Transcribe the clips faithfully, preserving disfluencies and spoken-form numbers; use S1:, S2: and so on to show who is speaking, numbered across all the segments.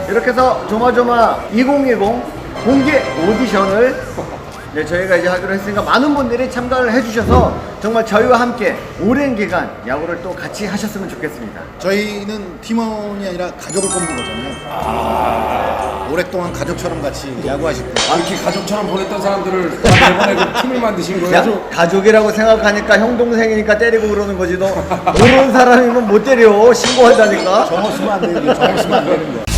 S1: 이렇게 해서 조마조마 이천이십 공개 오디션을 네, 저희가 이제 하기로 했으니까 많은 분들이 참가를 해주셔서 정말 저희와 함께 오랜 기간 야구를 또 같이 하셨으면 좋겠습니다.
S2: 저희는 팀원이 아니라 가족을 뽑는 거잖아요. 아~ 오랫동안 가족처럼 같이 야구하실 분.
S3: 아, 이렇게 가족처럼 보냈던 사람들을 이번에 그 팀을 만드신 거예요?
S1: 야, 가족이라고 생각하니까 형 동생이니까 때리고 그러는 거지. 너 모르는 사람이면 못 때려. 신고한다니까.
S2: 정어 쓰면 안 되는 거. 정어 쓰면 안 되는 거.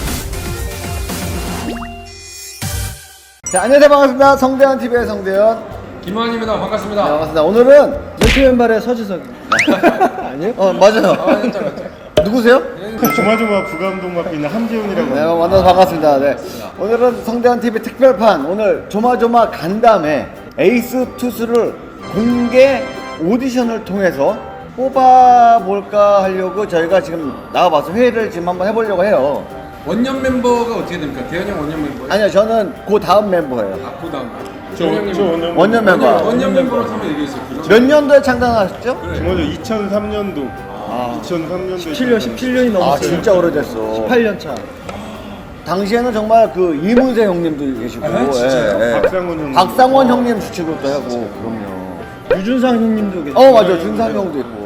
S1: 자, 안녕하세요. 반갑습니다. 성대현 티비의 성대현.
S3: 김환입니다. 반갑습니다.
S1: 네, 반갑습니다. 오늘은
S4: 멘트 왼발의 서지석. 아니요?
S1: 어 맞아요.
S3: 아, 진짜, 진짜.
S1: 누구세요?
S5: 조마조마 부감독 맡고 있는 함재훈이라고
S1: 네,
S5: 합니다.
S1: 만나서 반갑습니다. 네. 오늘은 성대현 티비 특별판 오늘 조마조마 간담회 에이스 투수를 공개 오디션을 통해서 뽑아볼까 하려고 저희가 지금 나와봐서 회의를 지금 한번 해보려고 해요.
S3: 원년 멤버가 어떻게 됩니까? 대현 형 원년 멤버예요?
S1: 아니요, 저는 그 다음 멤버예요.
S3: 아, 그 다음.
S5: 저, 저 오늘
S1: 원년 멤버.
S3: 원년, 원년 멤버로 한번 얘기했어요.
S1: 몇 년도에 창단하셨죠?
S5: 조마조 이천삼 년도 이천삼 년도에
S4: 십칠 년, 십칠 년이
S1: 아,
S4: 넘었어요.
S1: 진짜 오래됐어.
S4: 십팔 년 차.
S1: 당시에는 정말 그 이문세 형님도 계시고,
S3: 아, 진짜요?
S1: 예, 예.
S5: 박상원 형님.
S1: 박상원 형님 주축을 또 하고, 그럼요.
S4: 유준상 형님도 계시고.
S1: 어, 맞아. 준상 형도 있고.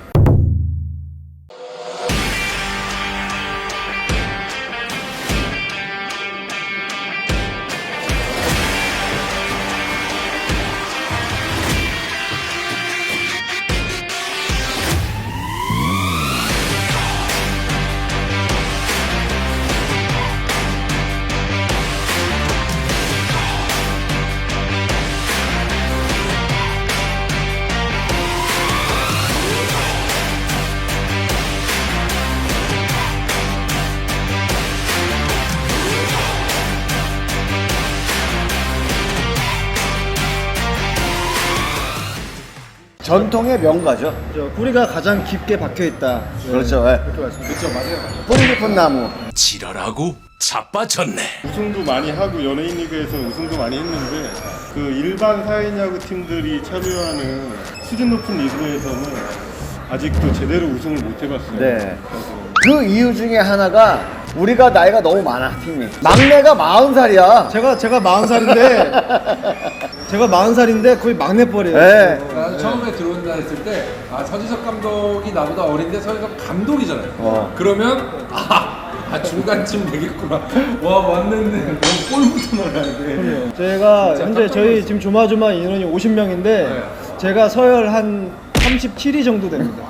S1: 전통의 명가죠.
S4: 저 뿌리가 가장 깊게 박혀 있다. 네.
S1: 그렇죠. 예.
S4: 그렇게 말씀드렸죠.
S1: 뿌리 깊은 나무.
S6: 지랄하고 자빠졌네.
S5: 우승도 많이 하고 연예인 리그에서 우승도 많이 했는데 그 일반 사회인 야구 팀들이 참여하는 수준 높은 리그에서는 아직도 제대로 우승을 못 해봤어요.
S1: 네. 그 이유 중에 하나가 우리가 나이가 너무 많아, 팀이. 막내가 마흔 살이야.
S4: 제가 제가 마흔 살인데 제가 마흔 살인데 거의 막내뻘이에요.
S1: 네.
S3: 나는 처음에 들어온다 했을 때, 아, 서지석 감독이 나보다 어린데 서지석 감독이잖아요.
S1: 어.
S3: 그러면, 아, 아, 중간쯤 되겠구나. 와, 왔는데, 너무 골부터 넣어야 돼.
S4: 제가
S3: 진짜
S4: 현재
S3: 깜짝
S4: 저희
S3: 놀랐어요.
S4: 지금 조마조마 인원이 오십 명인데
S3: 네.
S4: 제가 서열 한 삼십칠 위 정도 됩니다.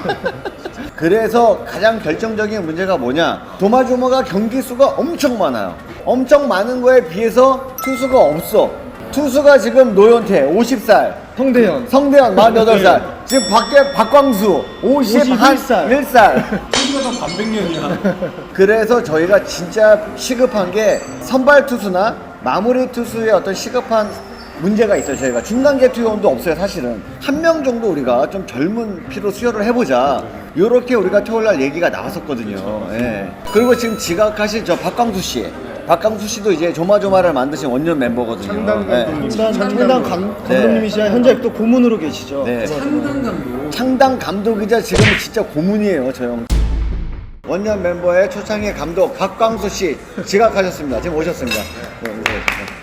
S1: 그래서 가장 결정적인 문제가 뭐냐? 조마조마가 경기 수가 엄청 많아요. 엄청 많은 거에 비해서 투수가 없어. 투수가 지금 노현태 오십 살,
S4: 성대현.
S1: 성대현 마흔여덟 살, 지금 밖에 박광수 오십일 살.
S4: 오십일 살.
S3: 투수가 다 반백년이야.
S1: 그래서 저희가 진짜 시급한 게 선발 투수나 마무리 투수의 어떤 시급한 문제가 있어요. 저희가 중간계 투수도 없어요. 사실은 한 명 정도 우리가 좀 젊은 피로 수혈을 해보자, 요렇게 우리가 토요일날 얘기가 나왔었거든요. 예. 그리고 지금 지각하신 저 박광수 씨, 박광수 씨도 이제 조마조마를 만드신 원년 멤버거든요.
S5: 창단 감독님.
S4: 창단 창단 감,
S1: 네.
S4: 감독님이시야 현재 또 고문으로 계시죠.
S1: 네.
S3: 창단 감독.
S1: 창당 감독이자 지금은 진짜 고문이에요, 저 형. 원년 멤버의 초창의 감독 박광수 씨 지각하셨습니다. 지금 오셨습니다. 네, 오셨습니다.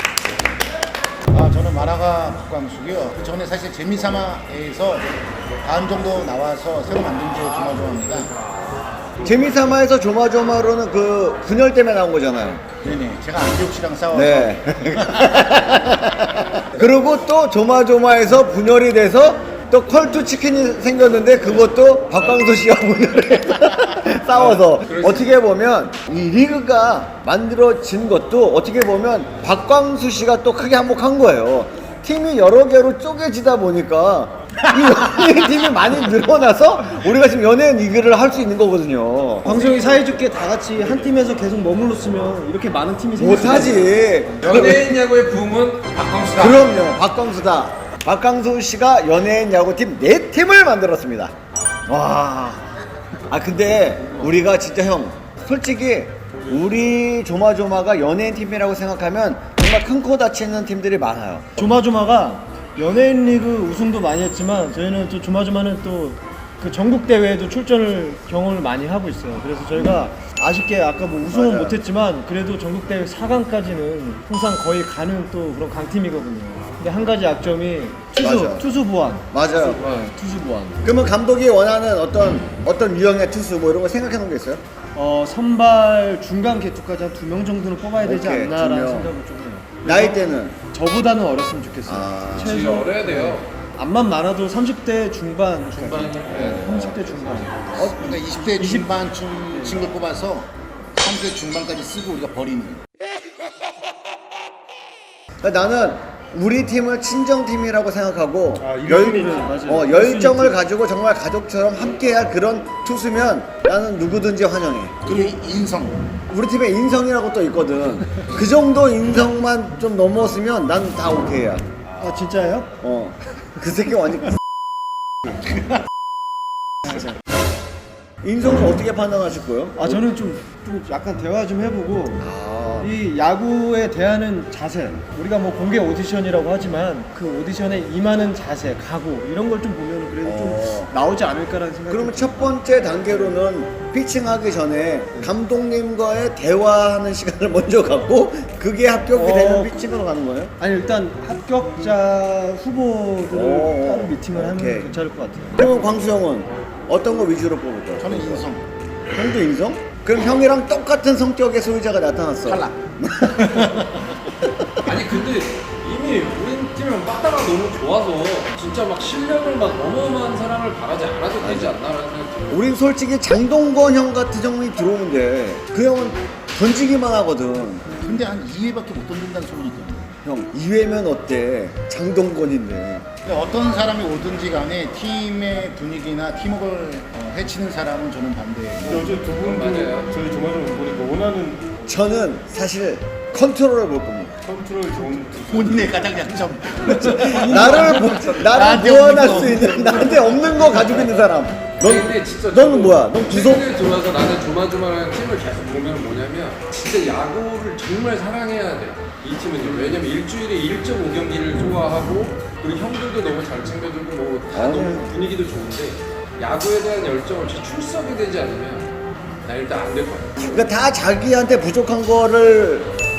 S2: 아, 저는 만화가 박광숙이요. 그 전에 사실 재미삼아에서 다음 정도 나와서 새로 만든 게 조마조마입니다.
S1: 재미삼아에서 조마조마로는 그 분열 때문에 나온 거잖아요.
S2: 네네. 제가 안기욱 씨랑 싸워서
S1: 네. 그리고 또 조마조마에서 분열이 돼서 또 컬투 치킨이 생겼는데 그것도 박광수 씨와 분열을 해서 싸워서, 어떻게 보면 이 리그가 만들어진 것도 어떻게 보면 박광수 씨가 또 크게 한몫한 거예요. 팀이 여러 개로 쪼개지다 보니까 이 연예인 팀이 많이 늘어나서 우리가 지금 연예인 리그를 할 수 있는 거거든요.
S4: 방송이 사이좋게 다 같이 한 팀에서 계속 머물렀으면 이렇게 많은 팀이 생길 수가 있어요.
S1: 못하지.
S3: 연예인 야구의 붐은 박광수다.
S1: 그럼요, 박광수다. 박광수 씨가 연예인 야구팀 네 팀을 만들었습니다. 와. 아, 근데 우리가 진짜 형, 솔직히 우리 조마조마가 연예인 팀이라고 생각하면 정말 큰 코 다치는 팀들이 많아요.
S4: 조마조마가 연예인 리그 우승도 많이 했지만 저희는 또 조마조마는 또 그 전국 대회에도 출전을 경험을 많이 하고 있어요. 그래서 저희가 아쉽게 아까 뭐 우승은
S1: 맞아요.
S4: 못했지만 그래도 전국 대회 사 강까지는 항상 거의 가는 또 그런 강팀이거든요. 근데 한 가지 약점이 투수
S1: 맞아.
S4: 투수 보완.
S1: 맞아요.
S4: 네, 투수 보완.
S1: 그러면 감독이 원하는 어떤 어떤 유형의 투수 뭐 이런 거 생각해 놓은 게 있어요?
S4: 어 선발 중간 개투까지 한 두 명 정도는 뽑아야 되지
S1: 오케이, 두
S4: 않나라는
S1: 명.
S4: 생각을 좀 해요.
S1: 나이 때는
S4: 저보다는 어렸으면 좋겠어요.
S1: 아,
S3: 진짜
S4: 최소
S3: 어려야 돼요.
S4: 암만 많아도 삼십 대 중반.
S3: 중반.
S4: 네, 삼십 대 중반.
S2: 어, 그러니까 이십 대 중반쯤 친구 뽑아서 삼십 대 중반까지 쓰고 우리가 버리는.
S1: 그러니까 나는 우리 팀을 친정팀이라고 생각하고
S5: 아,
S1: 열,
S5: 일순위지.
S4: 맞아요.
S1: 어, 열정을 가지고 정말 가족처럼 함께할 그런 투수면 나는 누구든지 환영해.
S2: 그리고 인성.
S1: 우리 팀에 인성이라고 또 있거든. 그 정도 인성만 좀 넘었으면 난 다 오케이야.
S4: 아 진짜예요?
S1: 어. 그 새끼 완전 인성을 어떻게 판단하실 거예요?
S4: 아 저는 좀, 좀 약간 대화 좀 해보고
S1: 아,
S4: 이 야구에 대하는 자세, 우리가 뭐 공개 오디션이라고 하지만 그 오디션에 임하는 자세, 각오 이런 걸 좀 보면 그래도
S1: 어.
S4: 좀 나오지 않을까라는 생각이
S1: 그러면 첫 번째 단계로는 피칭하기 전에 감독님과의 대화하는 시간을 먼저 갖고 그게 합격이
S4: 어.
S1: 되면 피칭으로 가는 거예요?
S4: 아니 일단 합격자 후보들을
S1: 오.
S4: 따로 미팅을 하면
S1: 오케이.
S4: 괜찮을 것 같아요.
S1: 그러면 광수형은 어떤 거 위주로 뽑을 거야?
S2: 저는 인성.
S1: 형도 인성? 그럼 형이랑 똑같은 성격의 소유자가 나타났어.
S2: 탈락.
S3: 아니 근데 이미 우리 팀은 빠따가 너무 좋아서 진짜 막 실력을 막 어마어마한 사람을 바라지 않아도 되지 않나라는 생각이 들어요.
S1: 우린 솔직히 장동건 형 같은 형이 들어오는데 그 형은 던지기만 하거든.
S2: 근데 한 이 회밖에 못 던진다는 소문이 있거든요.
S1: 형 이 회면 어때? 장동건인데.
S2: 근데 어떤 사람이 오든지 간에 팀의 분위기나 팀워크를 어, 해치는 사람은 저는 반대예요.
S5: 근데 어제 두 분도
S3: 맞아요.
S5: 저희 조마조마 보니까 원하는
S1: 저는 사실 컨트롤을 볼 겁니다.
S5: 컨트롤 좋은 투수.
S2: 본인의 가장 약점.
S1: 나를 보, 나를
S2: 나한테
S1: 보완할
S2: 없는
S1: 수
S2: 거.
S1: 있는 나한테 없는 거 가지고 있는 사람. 넌
S3: 근데 진짜
S1: 너는
S3: 저도
S1: 뭐야? 넌 구속?
S3: 최근에 들어와서 나는 조마조마라는 팀을 계속 보면 뭐냐면 진짜 야구를 정말 사랑해야 돼. 이 팀은요. 왜냐면 일주일에 일 점 오 경기를 소화하고 그리고 형들도 너무 잘 챙겨주고 뭐 다
S1: 아,
S3: 너무
S1: 네.
S3: 분위기도 좋은데 야구에 대한 열정을 진짜 출석이 되지 않으면 나 일단 안 될 거야.
S1: 그러니까 다 자기한테 부족한 거를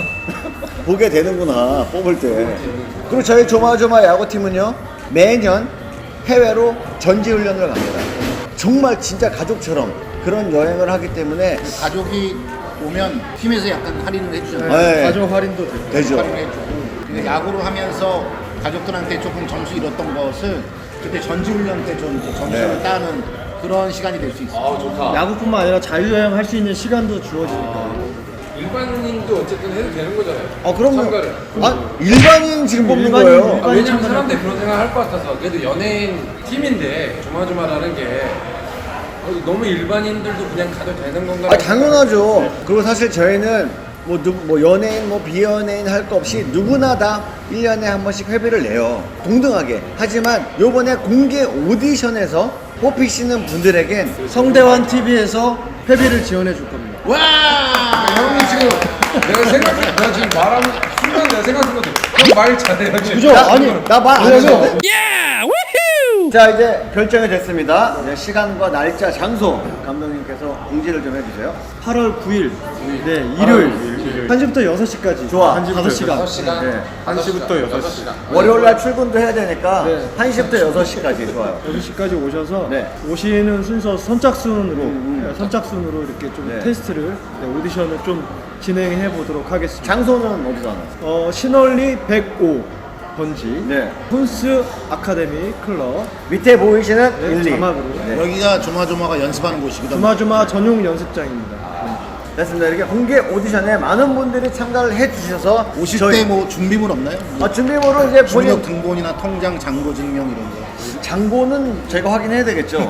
S1: 보게 되는구나 뽑을 때. 그리고 저희 조마조마 야구팀은요 매년 해외로 전지훈련을 갑니다. 정말 진짜 가족처럼 그런 여행을 하기 때문에
S2: 가족이 오면 팀에서 약간 할인을 해주잖아요.
S1: 네.
S4: 가족 할인도 되고.
S1: 되죠.
S2: 할인을 해주고. 근데 야구를 하면서 가족들한테 조금 점수 잃었던 것을 그때 전지훈련 때 좀 점수를
S1: 네.
S2: 따는 그런 시간이 될 수 있어요.
S3: 아 좋다.
S4: 야구뿐만 아니라 자유여행 할 수 있는 시간도 주어지니까.
S3: 일반인도 어쨌든 해도 되는 거잖아요.
S1: 아 그럼
S3: 참가를.
S1: 아 일반인 지금 뽑는
S4: 일반인,
S1: 거예요.
S3: 아,
S4: 일반인
S3: 왜냐면
S4: 참가를-
S3: 사람들이 그런 생각 할 것 같아서 그래도 연예인 팀인데 조마조마라는 게 어, 너무 일반인들도 그냥 가도 되는 건가?
S1: 아 당연하죠. 그리고 사실 저희는 뭐, 누, 뭐 연예인 뭐 비연예인 할 거 없이 누구나 다 일 년에 한 번씩 회비를 내요. 동등하게. 하지만 요번에 공개 오디션에서 뽑히시는 분들에겐
S4: 성대환 티비에서 회비를 지원해 줄 겁니다.
S2: 와!
S3: 형이 지금 내가 생각 내가 지금 말하는 순간 내가 생각한 거든. 형말 잘해요 지금.
S4: 그죠? 아니,
S1: 나 말 안 해서.
S6: 야! 우후!
S1: 자 이제 결정이 됐습니다. 이제 시간과 날짜, 장소 감독님께서 공지를 좀 해주세요.
S4: 팔월 구일, 네 일요일 한 시부터 여섯 시까지.
S1: 좋아.
S4: 다섯 시간.
S3: 다섯 시간.
S1: 네.
S3: 한 시부터 여섯 시간.
S1: 월요일 날 출근도 해야 되니까
S4: 네.
S1: 한 시부터 여섯 시까지 좋아요.
S4: 여섯 시까지 오셔서
S1: 네.
S4: 오시는 순서 선착순으로 네, 선착순으로 이렇게 좀
S1: 네.
S4: 테스트를 네, 오디션을 좀 진행해 보도록 하겠습니다.
S1: 장소는 어디서 하나요?
S4: 어, 신월리 백오 번지
S1: 네.
S4: 훈스 아카데미 클럽
S1: 밑에 보이시는
S4: 네,
S1: 일, 이.
S4: 자막으로
S1: 네.
S2: 여기가 조마조마가 연습하는 곳이거든요.
S4: 주마주마 전용 연습장입니다.
S1: 됐습니다. 이렇게 공개 오디션에 많은 분들이 참가를 해주셔서
S2: 오실
S1: 저희-
S2: 때 뭐 준비물 없나요?
S1: 아, 준비물은 이제 본인
S2: 주민등 등본이나 통장 잔고 증명 이런 거.
S1: 장고는 제가 확인해야 되겠죠.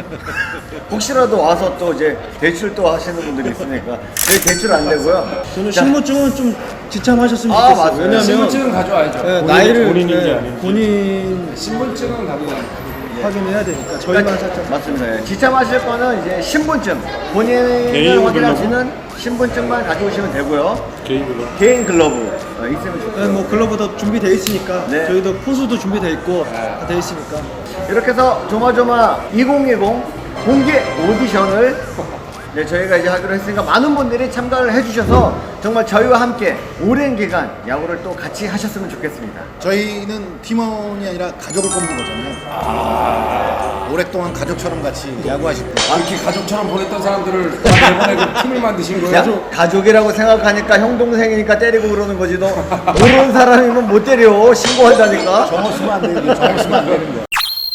S1: 혹시라도 와서 또 이제 대출 또 하시는 분들이 있으니까 저희 대출 안 되고요.
S4: 저는
S1: 자,
S4: 신분증은 좀 지참하셨으면
S1: 아,
S4: 좋겠어요.
S1: 맞아요.
S4: 왜냐면
S3: 신분증은 가져와야죠.
S4: 네, 나이를
S5: 본인인지
S4: 네,
S5: 아닌지.
S4: 본인
S3: 신분증은 가져와야죠.
S4: 확인해야 되니까 저희만 살짝
S1: 맞습니다. 예. 지참하실 거는 이제 신분증, 본인을
S5: 개인으로
S1: 확인할 수
S5: 불러고?
S1: 있는 신분증만 가져오시면 되고요.
S5: 개인 글러.
S1: 개인 글러브 어, 있으면 좋고요.
S4: 네, 뭐 글러브도 준비돼 있으니까
S1: 네.
S4: 저희도 포수도 준비돼 있고 다 돼 있으니까.
S1: 이렇게 해서 조마조마 이천이십 공개 오디션을 네, 저희가 이제 하기로 했으니까 많은 분들이 참가를 해주셔서 정말 저희와 함께 오랜 기간 야구를 또 같이 하셨으면 좋겠습니다.
S2: 저희는 팀원이 아니라 가족을 뽑는 거잖아요.
S1: 아.
S2: 오랫동안 가족처럼 같이 야구하실 분.
S3: 이렇게 가족처럼 보냈던 사람들을 다 내보내고 팀을 만드신 거예요?
S1: 야, 가족이라고 생각하니까 형 동생이니까 때리고 그러는 거지. 너 모르는 사람이면 못 때려. 신고한다니까.
S2: 정어 쓰면 안 되는 거야. 정어 쓰면 안 되는 거야.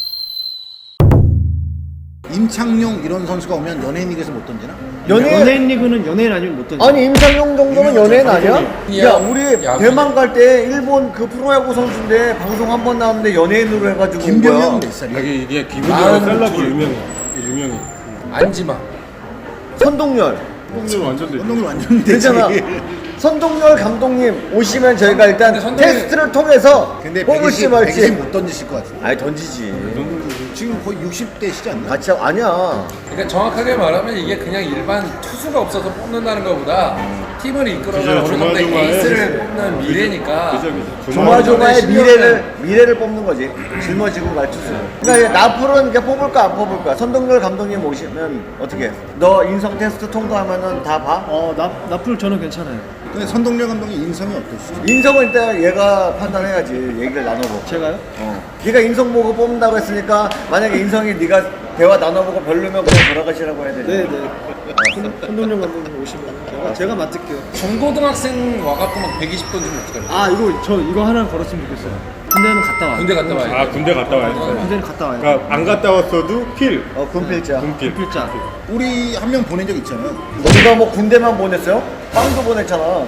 S2: 임창용 이런 선수가 오면 연예인 리그에서 못 던지나?
S1: 연예인
S4: 연예인 리그는 연예인 아니면 못 던져.
S1: 아니 임창용 정도는 연예인 아니야?
S3: 방송인.
S1: 야 우리
S3: 야구.
S1: 대만 갈 때 일본 그 프로야구 선수인데 방송 한 번 나왔는데 연예인으로 해가지고 온
S2: 김병현
S1: 거야.
S2: 몇 살이야?
S3: 여기 이게
S5: 아,
S3: 기분이
S5: 셀럽이 유명해. 유명해.
S3: 안지마.
S1: 선동열
S5: 뽕들 완전 되지.
S2: 운동을 완전 되지.
S1: 되잖아. 선동열 감독님 오시면 저희가 일단
S3: 근데 선동열-
S1: 테스트를 통해서
S2: 근데
S1: 뽑을지
S2: 백이십,
S1: 말지.
S2: 백이십 못 던지실 것 같아.
S1: 아니 던지지.
S2: 지금 거의 육십 대시지 않나?
S1: 같이 하고 아니야.
S3: 그러니까 정확하게 말하면 이게 그냥 일반 투수가 없어서 뽑는다는 것보다 팀을 이끌어가는
S5: 그죠,
S3: 어느 정도
S5: 조마조마의-
S3: 에이스를 뽑는 미래니까.
S5: 그죠, 그죠.
S1: 조마조마의
S3: 십 년은
S1: 미래를 미래를 뽑는 거지. 짊어지고 갈 투수. 그러니까 나풀은 그냥 뽑을까 안 뽑을까. 선동열 감독님 오시면 어떻게? 해? 너 인성 테스트 통과하면은 다 봐?
S4: 어, 나 나풀 저는 괜찮아요.
S2: 근데 선동열 감독의 인성이 어떠시죠?
S1: 인성은 일단 얘가 판단해야지. 얘기를 나눠보고.
S4: 제가요?
S1: 어. 네가 인성 보고 뽑는다고 했으니까 만약에 인성이 네가 대화 나눠보고 별로면 그냥 돌아가시라고 해야 되지.
S4: 네, 네. 손동영 감독님 오시면 제가 제가 맡을게요.
S3: 중고등학생 와갖고 막 백이십 던지면 어떡하냐.
S4: 아, 이거 저 이거 하나 걸었으면 좋겠어요. 군대는 갔다 와요.
S3: 군대 갔다 와야
S5: 아
S3: 돼.
S5: 군대 갔다 와야 돼.
S4: 군대는 갔다 와요.
S5: 그러니까 안 갔다 왔어도 필.
S1: 어, 군필자.
S5: 군필.
S4: 필자.
S2: 우리 한 명 보낸 적 있잖아요.
S1: 우리가 뭐 군대만 보냈어요? 빵도 보냈잖아.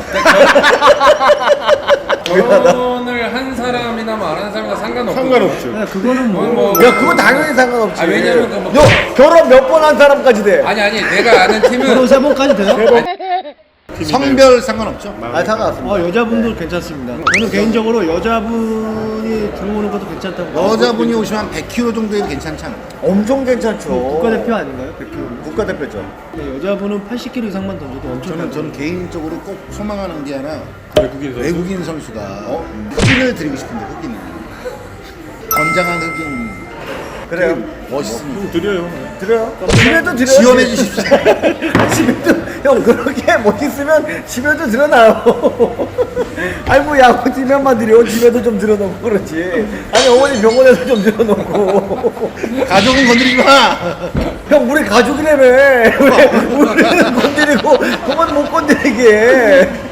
S3: 결혼을 한 사람이나 뭐 안 한 사람이나 상관없고.
S5: 상관없죠.
S4: 네, 그거는 뭐,
S3: 뭐, 뭐
S1: 야, 그거 당연히 상관없지.
S3: 아, 왜냐면 그 뭐-
S1: 너 결혼 몇 번 한 사람까지 돼.
S3: 아니 아니 내가 아는
S4: 결혼
S3: 팀은
S4: 세 번까지 돼요?
S2: 성별 상관없죠?
S1: 아, 상관없습니다.
S4: 어, 여자분도 괜찮습니다. 저는 개인적으로 여자분이 들어오는 것도 괜찮다고. 봐요.
S2: 여자분이 오시면 한 백 킬로그램 정도에도 괜찮지 않나?
S1: 엄청 괜찮죠.
S4: 국가대표 아닌가요? 백 킬로그램.
S1: 국가대표죠.
S4: 네, 여자분은 팔십 킬로그램 이상만 던져도 엄청
S2: 저는,
S4: 잘
S2: 저는 개인적으로 꼭 소망하는 게 하나
S5: 외국인 선수.
S2: 외국인 선수가 어? 흑인을 드리고 싶은데 흑인을 건장한 흑인
S1: 그래요.
S2: 멋있습니다.
S5: 좀 드려요.
S1: 드려요. 집에도 드려요.
S2: 지원해 주십시오.
S1: 집에도 형 그렇게 못 있으면 집에도 드려놔요. 아니 뭐 야구 팀에만 드려 집에도 좀 들여놓고 그렇지. 아니 어머니 병원에서 좀 들여놓고.
S2: 가족은 건드리지 마.
S1: 형 우리 가족이라며. 왜 우리는 건드리고 그만 못 건드리게.